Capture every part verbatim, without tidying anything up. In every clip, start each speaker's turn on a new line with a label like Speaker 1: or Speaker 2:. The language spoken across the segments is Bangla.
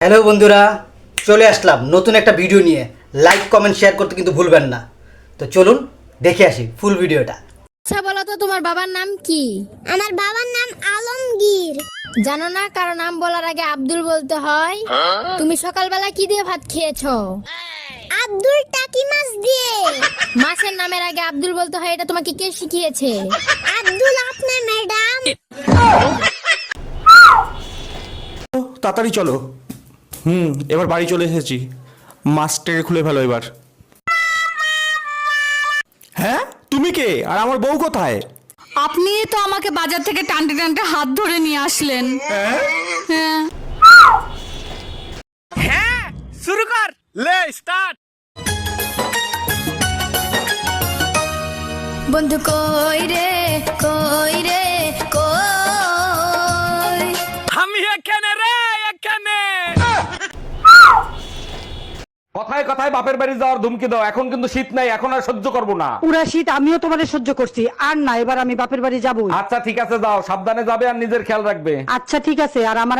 Speaker 1: হ্যালো বন্ধুরা, চলে আসলাম নতুন একটা ভিডিও নিয়ে। লাইক কমেন্ট শেয়ার করতে কিন্তু ভুলবেন না। তো চলুন দেখে আসি ফুল ভিডিওটা।
Speaker 2: আচ্ছা বলো তো, তোমার বাবার নাম কি?
Speaker 3: আমার বাবার নাম আলমগীর।
Speaker 2: জানো না কারো নাম বলার আগে আব্দুল বলতে হয়? তুমি সকালবেলা কি দিয়ে ভাত খেয়েছো?
Speaker 3: আব্দুল টাকি মাছ দিয়ে।
Speaker 2: মাছের নামের আগে আব্দুল বলতে হয়, এটা তোমাকে কে শিখিয়েছে?
Speaker 3: আব্দুল আপনার ম্যাডাম।
Speaker 4: তাড়াতাড়ি চলো। হুম এবার বাড়ি চলে এসেছি। মাস্টারে খুলে ফেলো এবার। হ্যাঁ তুমি কে আর আমার বউ কোথায়?
Speaker 5: আপনি তো আমাকে বাজার থেকে টানতে টানতে হাত ধরে নিয়ে আসলেন। হ্যাঁ
Speaker 6: হ্যাঁ শুরু কর, লে স্টার্ট।
Speaker 2: বন্ধু কই রে কই রে কই?
Speaker 6: আমি এখানে রে, এখানে।
Speaker 7: কথায় কথায় বাপের বাড়ি যাওয়ার ধুমকি দাও। এখন কিন্তু শীত নাই, এখন আর সহ্য করবো না।
Speaker 8: পুরা শীত আমিও তোমাদের সহ্য করছি, আর না এবার আমি বাপের বাড়ি যাবো।
Speaker 7: আচ্ছা ঠিক আছে, যাও, সাবধানে যাবে আর নিজের খেয়াল রাখবে।
Speaker 8: আচ্ছা ঠিক আছে। আর আমার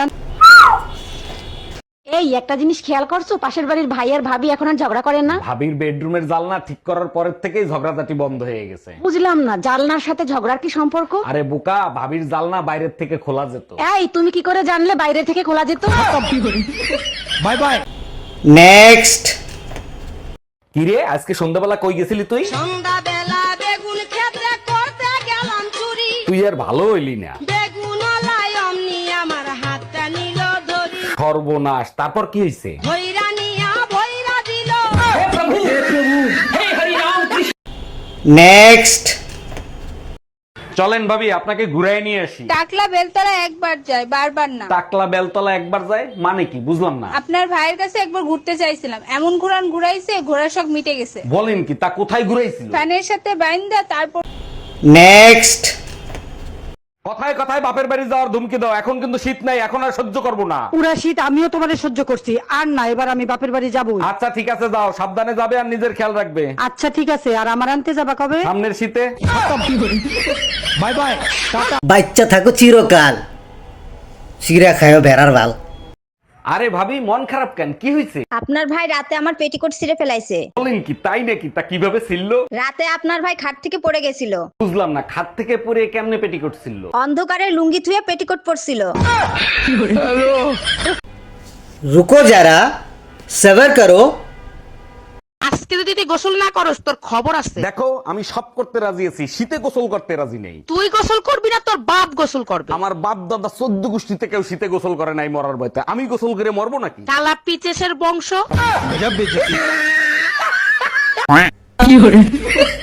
Speaker 8: এই একটা জিনিস খেয়াল করছো, পাশের বাড়ির ভাই আর ভাবি এখন আর ঝগড়া করেন না?
Speaker 7: ভাবির বেডরুমের জানলা ঠিক করার পরের থেকেই ঝগড়াঝাটি বন্ধ হয়ে গেছে।
Speaker 8: বুঝলাম না, জানলার সাথে ঝগড়ার কি সম্পর্ক?
Speaker 7: আরে বোকা, ভাবির জানলা বাইরের থেকে খোলা যেত।
Speaker 8: এই তুমি কি করে জানলে বাইরে থেকে খোলা যেত?
Speaker 7: Bye bye.
Speaker 1: নেক্সট।
Speaker 7: কিরে আজকে সন্ধ্যাবেলা কই গেছিলি তুই?
Speaker 5: সন্ধ্যাবেলা বেগুন ক্ষেত্রে করতে গেলাম চুরি।
Speaker 7: তুই আর ভালো হইলি না।
Speaker 5: বেগুন লাই অমনি আমার হাতটা নিল ধরি।
Speaker 7: সর্বনাশ, তারপর কি হয়েছে?
Speaker 5: ভৈরা নিয়া ভৈরা দিল।
Speaker 1: নেক্সট।
Speaker 7: চলেন ভাবি আপনাকে ঘুরাই নিয়ে আসি।
Speaker 9: টাকলা বেলতলা একবার যায়, বারবার না।
Speaker 7: টাকলা বেলতলা একবার যায় মানে কি বুঝলাম না।
Speaker 9: আপনার ভাইয়ের কাছে একবার ঘুরতে চাইছিলাম, এমন ঘুরান ঘুরাইছে ঘোড়ার শখ মিটে গেছে।
Speaker 7: বলেন কি, তা কোথায় ঘুরাইছিল?
Speaker 9: ফ্যানের সাথে বাইন্দা তারপর।
Speaker 1: নেক্সট।
Speaker 7: কথায় কথায় বাপের বাড়ি যাওয়ার ধুমকি দাও। এখন কিন্তু শীত নাই, এখন আর সহ্য করবো না।
Speaker 8: পুরা শীত আমিও তোমাদের সহ্য করছি, আর না এবার আমি বাপের বাড়ি যাবো।
Speaker 7: আচ্ছা ঠিক আছে, যাও, সাবধানে যাবে আর নিজের খেয়াল রাখবে।
Speaker 8: আচ্ছা ঠিক আছে। আর আমার আনতে যাবা কবে?
Speaker 7: সামনের শীতে। Bye bye.
Speaker 1: বাচ্চা থাকো চিরকাল, চিরা খায়ও বেড়ার বাল।
Speaker 7: আরে ভাবি মন খারাপ কেন, কি হয়েছে?
Speaker 10: আপনার ভাই রাতে আমার পেটিকোট ছিঁড়ে ফেলাইছে।
Speaker 7: বলেন কি, তাই নাকি? তা কিভাবে ছিললো?
Speaker 10: রাতে আপনার ভাই খাট থেকে পড়ে গেছিল।
Speaker 7: বুঝলাম না, খাট থেকে পরে কেমনে পেটিকোট ছিললো?
Speaker 10: অন্ধকারে লুঙ্গি থুয়ে পেটিকোট পরছিল।
Speaker 1: রুকো যারা, সবার করো।
Speaker 6: আজকে যদি তুই গোসল না করস তোর খবর আছে।
Speaker 7: দেখো আমি সব করতে রাজি আছি, শীতে গোসল করতে রাজি নেই।
Speaker 6: তুই গোসল করবি না, তোর বাপ গোসল করবে।
Speaker 7: আমার বাপ দাদা চোদ্দ গোষ্ঠীতে কেউ শীতে গোসল করে নাই মরার ভয়তে। আমি গোসল করে মরবো নাকি?
Speaker 6: কালা পিচেসের বংশ।